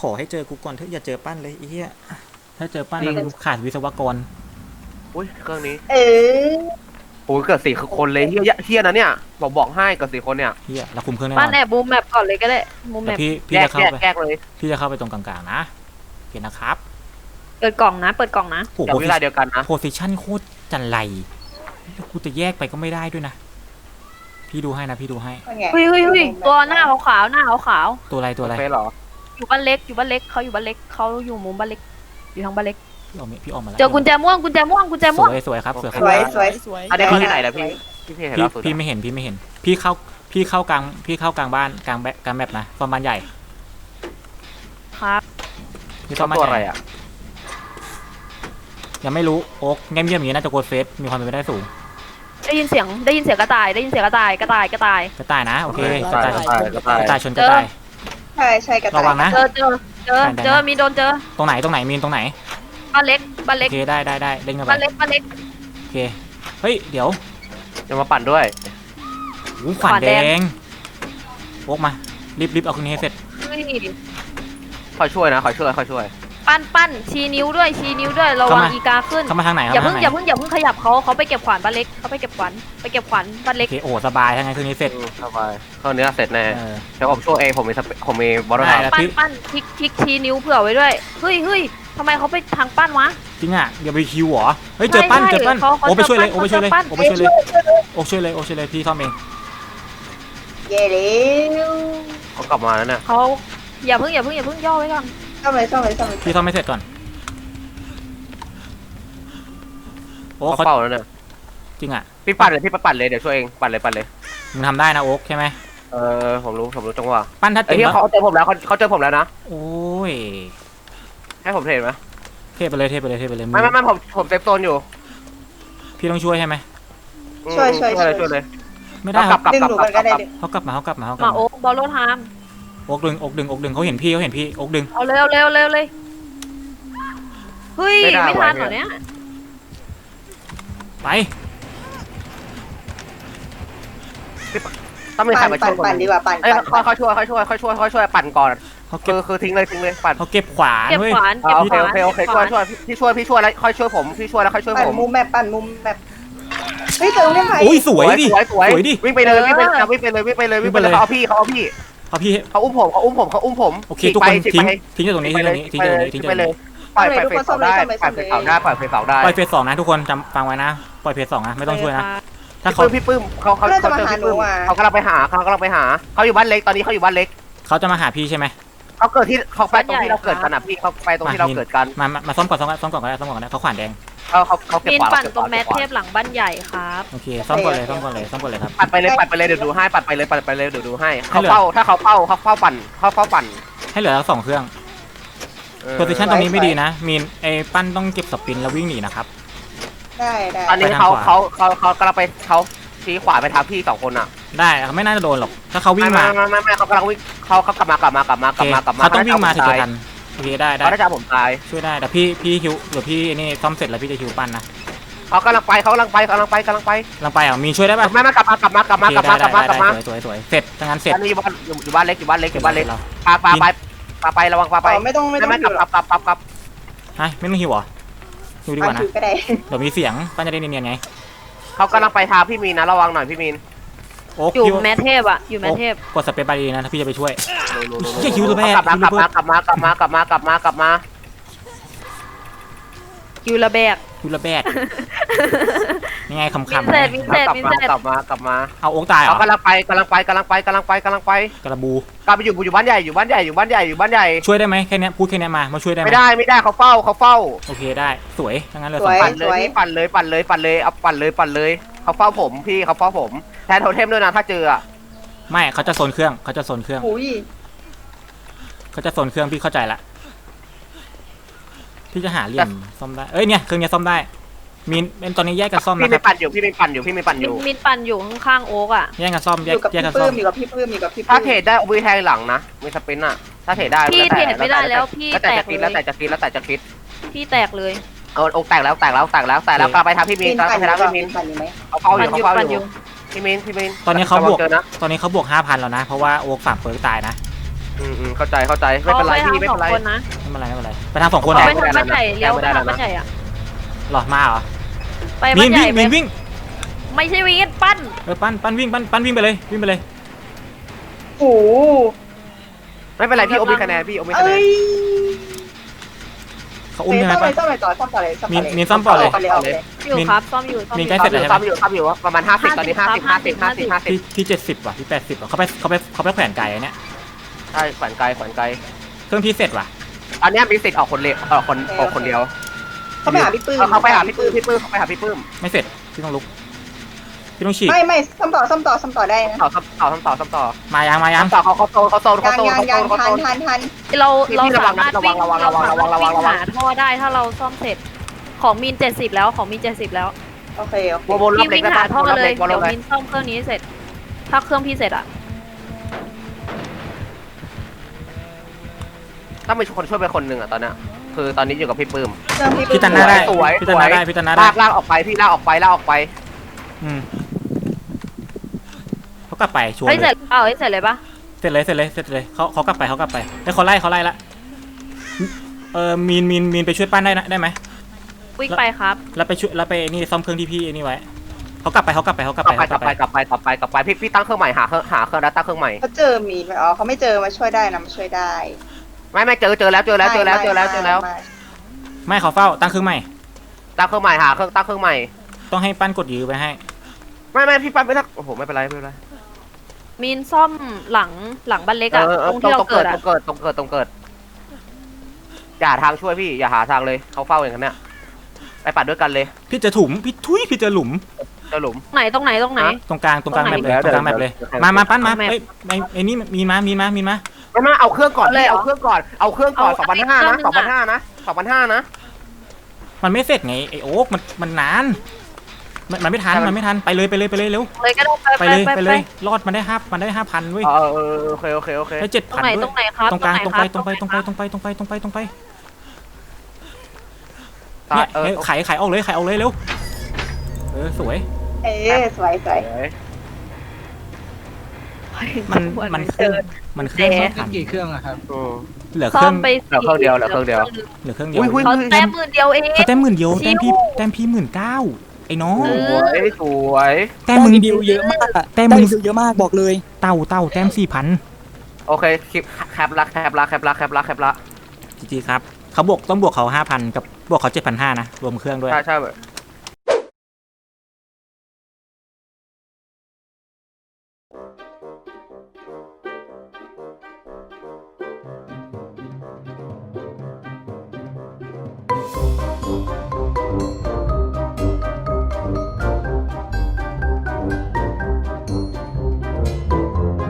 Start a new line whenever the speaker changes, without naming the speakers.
ขอให้เจอกูก่อนเถอะอย่าเจอปั้นเลยไอ้เหี้ยถ้าเจอปั้นมันขาดวิศวกร
อุ้ยเครื่องนี้
เออ
โอ้ยเกิด4คนเลยเฮียนะเนี่ยบอกให้เกิด4คนเนี่ย
เหี้ยเราคุมเครื่องแน่น
ปั้
อน น
แอบบูมแมปก่อนเลยก็ได้บูมแม
แต่
ป
พี่
แย
จะ
ก
เข้าไป
แยกเลย
พี่จะเข้าไปตรงกลางๆนะโอเคนะครับ
เปิดกล่องนะเปิดกล่องนะ
โอ้โห
จากเวลาเดียวกันนะ
โพซิชั่นโคตรจันไรกูจะแยกไปก็ไม่ได้ด้วยนะพี่ดูให้นะพี่ดูให้
ว่าไง
เฮ้ยตัวหน้าขาวๆหน้าขาว
ตัวอะไรตัวอะไร
เฟซเหรอ
ๆอยู่บ้านเล็กอยู่บ้านเล็กเขาอยู่บ้านเล็กเขาอยู่มุมบ้านเล็กอยู่ทางบ้านเล็ก
พี่ออกมาแล้ว
เจอกุญแจม่วงกุญแจม่วงกุญแจ
ส
ม่วง
วยสวยครับสวยค
ส
รับ
วยสวย
สวย
อันนี้เขาที่ไหนนะพี่เห็น
พี่
ล่าสุด
พี่ไม่เห็นพี่ไม่เห็น พี่เข้ากลางบ้านกลางแบบนะฟอร์มบ้านใหญ่
ครับ
พี่
ช
ซ่
อ
อบ มบ้าน
ตัว
ให
อะไร
ญ่
อ่ะ
ยังไม่รู้โอ๊กเงียบอย่างนี้น่าจะโกดเฟสมีความเป็นไปได้สูง
ได้ยินเสียงกระต่ายได้ยินเสียงกระต่ายกระต่าย
กระต่ายนะโอเคกระต่าย
ก็ตาย
กระต่ายชนกระต่าย
ใช่กระต่าย
ระวังนะ
เจอมีโดนเจอ
ตรงไหนมีนตรงไหน
บ้านเล็กบ้าน
โอ
เล็ก
เคได้เล่นกันไป
บ้านเล็กบ้านเล็ก
โอเคเฮ้ยเดี๋ยว
จะมาปั่นด้วย
หูขวานแดงโอ๊กมารีบเอาคืนนี้ให้เสร็จ
เฮ้ย
คอยช่วยนะคอยช่วย
ปั้นชี้นิ้วด้วยระวังอีกาขึ้น
เข้ามาทางไหน
อย่า
เข้า
เพิ่
มาง ทางไหน
อย่าเพิ่งขยับเขาไปเก็บขวานบ้านเล็กเขาไปเก็บขวานบ้าน
โอ
เล็ก
เคโอ้สบายทั้งนั้นคืนนี้เสร็จ
สบายเครื่องนี้เสร็จแน่
เออ
เดี๋ยวผมช่วยเองผมมีบอลลูน
ได้แล้ว
ปั้นคลิกชี้นิ้วเผื่อไว้ด้วยเฮ้ยทำไมเขาไปทางปั้นวะ
จริงอ่ะอย่าไปคิวเหรอเฮ้ยเจอปั้น
ใช่
โอ้ไปช่วยเลย
เขา
โอ้ไปช่วยเลย
เจอปั้น
โอ้ไปช่วยเลยโอ้ช่วยเลยพี่ซ่อมเอง
เย่เร็ว
เขากลับมาแล้วเนี่ย
เขาอย่าเพิ่งย่อไว้ก่อน
ซ่อมเลย
พี่ซ่อมไม่เสร็จก่อนโอ้
เขา
เขา
เฝ้าแล้วเนี่ย
จริงอ่ะ
พี่ปั่นเลยเดี๋ยวช่วยเองปั่นเลย
มึงทำได้นะโอ๊กใช่ไหม
ผมรู้จังหวะ
ปั้นถ้า
ไอ้
เต็ม
ที่
ปะ
เขาเจอผมแล้วเขาเจอผมแล้วนะ
โอ้ย
ให้ผมเทรดไหม
เทไปเลยมึง
ไม่ผมเซฟโซนอยู่
พี่ต้องช่วยใช่ไหม
ช่วย
เลย
ไม่ได้
กลับ
ดึงหนูกันก็ได้ดึง
เขากลับมา
มาโอ๊กบอลโลไทม์
โอ๊กดึงเขาเห็นพี่โอ๊กดึง
เอาเร็วเลยเฮ้ยไม่ทันเหรอเนี่ย
ไป
ต้องมีใครมาช่วย
ปั่นดีกว่าปั่น
เอ้ยเขาช่วยปั่นก่อน
เขาเก็บ
คือทิ้งเลยปั่น
เขาเก็บขวาน
เก็บ
เว้ย
ขวาน
โอเคช่วยพี่ช่วยแล้วค่อยช่วยผมพี่ช่วยแล้วค่อยช่วย
ปั่น
ผม
มุมแบบเฮ้ยเจอตรงนี้ไหม
โอ้ยสวยดิ
สวย
ดิ
วิ่งไปเลยเขาเอาพี่
เอาพี่
เขาอุ้มผม
โอเคทุกคนทิ้งจากตรงนี้ทิ้งจากเลย
ปล่อยเฟสเสาได้ปล่อยเฟสเสาได้
ปล่อยเฟส2นะทุกคนจำฟังไว้นะปล่อยเฟส2นะไม่ต้องช่วยนะถ้าเขา
พี่ปื้มเขาเจอพี่ปื้มเขากำลังไปหาเขาอยู่บ้านเล็กตอนนี้เขาอยู่บ้านเล็ก
เขาจะมาหาพี่ใช่ไหม
เขาเกิดที่เขาไปตรงที่เราเกิดกันอ่ะพี่เขาไปตรงที่เราเกิดกัน
มาซ่อมก่อนก็ได้เขาขวานแดง
เขาเก็บ
มิน
ขวาน
ปั่นตรงแมทเทพหลังบ้านใหญ่ครับ
โอเคซ่อมก่อนเลยครับ
ปัดไปเลยเดี๋ยวดูให้ปัดไปเลยเดี๋ยวดูให้เขาเฝ้าถ้าเขาเฝ้าปั่น
ให้เหลือ2เครื่องโพซิชั่นตรงนี้ไม่ดีนะมีนไอ้ปั้นต้องเก็บสปินแล้ววิ่งหนีนะครับ
ได้
ตอนนี้เขากำลังไปเขาชี้ขวาไปทางพี่2คนอ่ะ
ได้ไม่น่าจะโดนหรอกถ้าเขาวิ่งมา
ไม่เขากำลังวิ่งเขากลับมา
เขาต้องวิ่งมาถึงจะทันโอเคได้
เขาจะผมตาย
ช่วยได้แต่พี่ฮิวเดี๋ยวพี่นี่ซ่อมเสร็จแล้วพี่จะฮิวปั้นนะ
เขากำลังไป
ลังไปอ่ะมีช่วยได้ป่ะ
ไม่กลับมา
สวยเสร็จทั้งนั้นเสร็จ
อันนี้อยู่บ้านเล็กปาไประวังปาไป
ไม่ต้อง
ไม่
อยู่
กลับ
ฮะไม่ต้องฮิวเหรอฮิวดีกว่านะ
ก็ได้
เดี๋ยวมีเสียงปั้นจะได้เนียนๆไง
เขากำลังไปทางพี่มีนนะระวังหน่อยพี่มีน
โอ๊ก
อยู่แมทเทพอะอยู่แมทเทพ
กดสเปซบาร์ดีนะถ้าพี่จะไปช่วย
กลับมา
อยู่ระแบก
ยูระแบกยังไงคำ
มินเสร็จ
กลับมา
เอาโอ๊กตายเหร
เขา
อก
ำลังไปก
ระบู
กลับไปอยู่บ้านใหญ่
ช่วยได้ไหมแค่นี้พูดแค่นี้มาช่วยได้ไหม
ไม่ได้เขาเฝ้า
โอเคได้สวยทั้งนั้นเลย
ปั่นเลยเอาปั่นเลยเขาเฝ้าผมพี่เขาเฝ้าผมแทนโทเทมด้วยนะถ้าเจออ่ะ
ไม่เขาจะโซนเครื่อง
อุ้ย
พี่เข้าใจละพี่จะหาเหลี่ยมซ่อมได้เอ้ยเนี่ยเครื่องนี้ซ่อมได้มีนตอนนี้แยกกันซ่อม
พี่
นะค
ไม่
รับ
ปั่นอยู่พี่ไม่ปั่นอยู่
มินปั่นอยู่ข้างๆโอ๊กอะ
แยกกันซ่อม
อ
แยก
ยู่กับ
แยก
พี่
กัน
ปื้
ซ่อ
ม
ม
อยู่กับพี่ปื้ม
ถ้าเทรดได้วีแทงหลังนะมีสปินอ่ะถ้าเทรดได้
พี่เทรดไม่ได้แล้วพี่
แล้ว
แต
แต่
ก
จะคิด
เล
แล้ว
ย
แต่จะคิด
พี่แตกเลย
เอาอกแตกแล้วกลับไปทางพี่มีน
ปั่น
ไปทางพี่มีน
ปั่นอยู่ไหม
เขาเฝ้าอยู่
ปั่นอยู่
พี่มีน
ตอนนี้เขาบวก
เจอนะ
5,000แล้วนะเพราะว่าโอ๊กฝากเปิร์กตายนะ
เข้าใจไม่เป็นไรพี่ไม่เป็นไร
ขาปทางสองคนนะ
ไม่เป็นไรไม่เป็นไรไปทางสองคนเหร
เขา
อ
ไปทางบ้านใหญ่เลี้ยวไป
ไม่ได้
ทาง
แล้วนะ
บ้านใหญ่อะ
หรอมาเหรอ
ไป
มี
บ้าน
น
ใหญ่
วิ่งมีนวิ่ง
ไม่ใช่วิ่งปั้น
ปั้นวิ่งปั้นวิ่งไปเลยวิ่งไปเลย
โอ้โห
ไม่เป็นไรพี่โอมีคะแนนพี่โอมีคะแน
เอ้
น
ย
เขาอุ้มใช่ไหม
ซ่อมเล
ปั้
ย
น
ซ่อมเลยต่อซ่อมต่อเลยซ่อมต่อเลย
มีซ่อมต่อเลย
าเลย
อยู่ครับซ่อมอยู่ซ่อม
มี
อยู่
ใกล้เสร็จแล้วใช่ไหม
ซ้ำอยู่ประมาณ50ตอนนี้50
ที่70ว่ะที่80ว่ะเขาไปแขวนไก่อันเนี้ย
ใช่แขวนไกล
เครื่องพี่เสร็จว่ะ
อันนี้มีสิทธิ์ออกคนเดียวออกคนเดียว
เขาไปหาพี่ปื้ม
เขาไปหาพี่ปื้มเขาไปหาพี่ปื้ม
ไม่เสร็จพี่ต้องลุกพี่ต้องฉีก
ไม่ซ่อมต่อได้นะ
ต่อ
มายัง
ต่อเขาโซน
ยังทัน
เรา
พี่
เรา
ระวั
สาง
นะ
มารถวิ่ง
ระวัง
เราสามารถวิ่ง
ระวัง
หาท่อได้ถ้าเราซ่อมเสร็จของมีน70แล้วของมีน70แล้ว
โอเค
วนรอบ
พี่
เล็ก
วิ่ง
ได้
หา
ป่ะ
ท่อ
วนรอบ
เล
เล็
ย
กวนร
เดี๋
อย บ
ว
เล็ก
มินซ่อมเครื่องนี้เสร็จ ถ้าเครื่องพี่เสร็จอะ
ต้องมีคนช่วยไปคนหนึ่งอ่ะตอนเนี้ยคือตอนนี้อยู่กับพี่ปื้ม
เครื่องพี่ปื้
พี่ตันหน้าได้
สวย
พี่ตันหน้าได้พี่ตันหน้าได้
ลากออกไปพี่ลากออกไป
เขากลับไปชัวร์
เฮ้ย
เล
เสร็
ย
จเสร็จเลยปะ
เสร็จเลยเขากลับไปแล้วเขาไล่ละมีนไปช่วยปั้นได้ไหม
วิ่งไปครับ
แล้วไปช่วยแล้วไปนี่ซ่อมเครื่องที่พี่นี่ไว้เขากลับไป
กลับไปพี่ตั้งเครื่องใหม่หาเครื่องแล้วตั้งเครื่องใหม่
เขาเจอมีนไหมอ๋อเขาไม่เจอมาช่วยได้นะมาช่วยได้
ไม่เจอแล้ว
ไม่เขาเฝ้าตั้งเครื่องใหม่
ตั้งเครื่องใหม่หาเครื่องตั้งเครื่องใหม่
ต้องให้ปั้นกดยื้อไปให้
ไม่พี่ปั้นไม่ทักโอ้โหไม่เป็นไร
มีนซ่อมหลังบ้านเล็กอะตรงที่เราเกิดอะ
ต้องเกิดอย่าทางช่วยพี่อย่าหาทางเลยเขาเฝ้าอย่างนั้นเนี่ยไปปัดด้วยกันเลย
พี่เจะถุมพี่เจะหลุม
เจอหลุม
ตรงไหน
ตรงกลางแมปเลย
เดี๋ยว
ตรงกลางแมปเลย
เดี๋ยว
มาปั้นมา
แมป
เอ้ยไอ้นี่มีมา
ไม่เอาเครื่องก่อนพี่เอาเครื่องก่อน2,500นะ2,500นะ
มันไม่เสร็จไงไอโอ๊กมันนานมันไม่ทันไปเลยเร็ว
เลยก็ได้
ไปเลยรอดมันได้5,000เว้ย
โอเค
ได้
ตรงไหน
7,000
ตรงไหนครับ
ตรงกลางตรงไป
ตรงไหนครับ
เนี่ยไขออกเลยเร็วสวย
สวย
มันเครื่องไม่ทัน
กี่เครื่องอะครับ
เหลือเค
ซ่
รื่
อ
อง
มไป
เหลือเครื่องเดียว
เหลือเครื่องเดียว
เขาแต้ม10,000เดียวเอง
เขาแต้ม10,000เดียว
ชิว
แต้มพี่19,000ไอ้น้อง
สวย
แต้มมึง
ดิวเยอะมากอะ
แต้ม
ได้
มึง
ดิวเยอะมากบอกเลย
เต่าแต้ม4,000
โอเคคลิปแคปละ
จริงๆครับเขาต้องบวกเขา 5,000 กับบวกเขา 7,500 นะรวมเครื่องด้วย
ใช่